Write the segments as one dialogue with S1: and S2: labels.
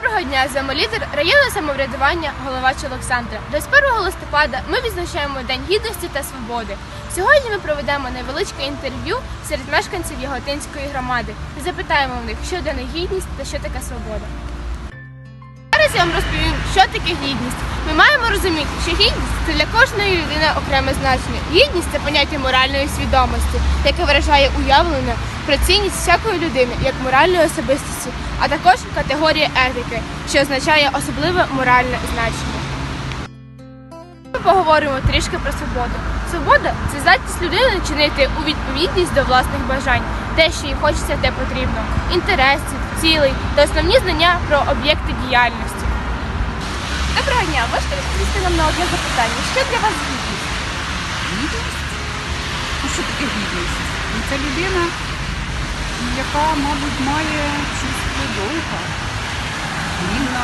S1: Доброго дня, замолідер районного самоврядування Головач Олександра. 21 листопада ми відзначаємо День гідності та свободи. Сьогодні ми проведемо невеличке інтерв'ю серед мешканців Яготинської громади і запитаємо в них, що для них гідність та що таке свобода. Зараз я вам розповім, що таке гідність. Ми маємо розуміти, що гідність – це для кожної людини окреме значення. Гідність – це поняття моральної свідомості, яке виражає уявлення про цінність всякої людини як моральної особистості, а також категорія етики, що означає особливе моральне значення. Ми поговоримо трішки про свободу. Свобода – це здатність людини чинити у відповідність до власних бажань, те, що їй хочеться, те потрібно, інтересів, цілей та основні знання про об'єкти діяльності. Доброго дня! Можете відповісти нам на одне запитання? Що для вас гідність?
S2: Гідність? Ну що таке гідність? Це людина, яка, мабуть, має чувство долга. Гідна.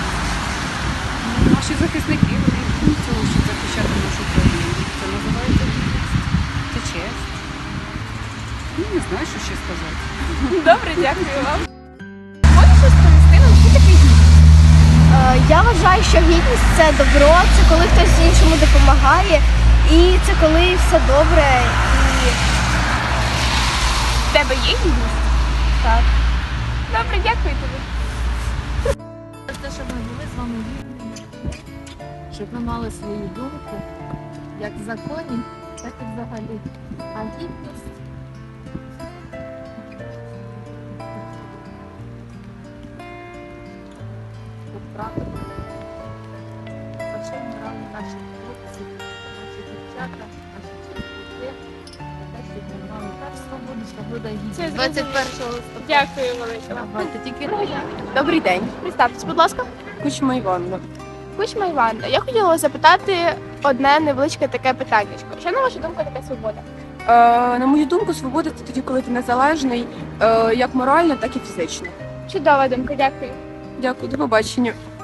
S2: Наші захисники, вони йдуть цього, щоб захищати нашу країну. Це називається гідність. Це честь. Ну, не знаю, що ще сказати.
S1: Добре, дякую вам. Можеш розповісти нам, що таке гідність?
S3: Я вважаю, що гідність – це добро, це коли хтось іншому допомагає, і це коли все добре. І
S1: В тебе є гідність?
S3: так.
S1: Добре, дякую тобі.
S4: Те, щоб ми були з вами вільними, щоб ми мали свою думку, як в законі, так і взагалі. А гідність тут правильно. За що брали наші хлопці, наші дівчата, наші чоловіки, за те, щоб ми мали теж свободу, свобода і гідність. 21 листопада.
S1: Дякую велике вам.
S4: Давайте тільки
S1: Добрий день. Представтесь, будь ласка.
S5: Кучма Іванна.
S1: Кучма Іванна. Я хотіла запитати одне невеличке таке питання. Що, на вашу думку, таке свобода?
S5: На мою думку, свобода це тоді, коли ти незалежний, як морально, так і фізично.
S1: Чудова думка, дякую.
S5: Дякую, до побачення.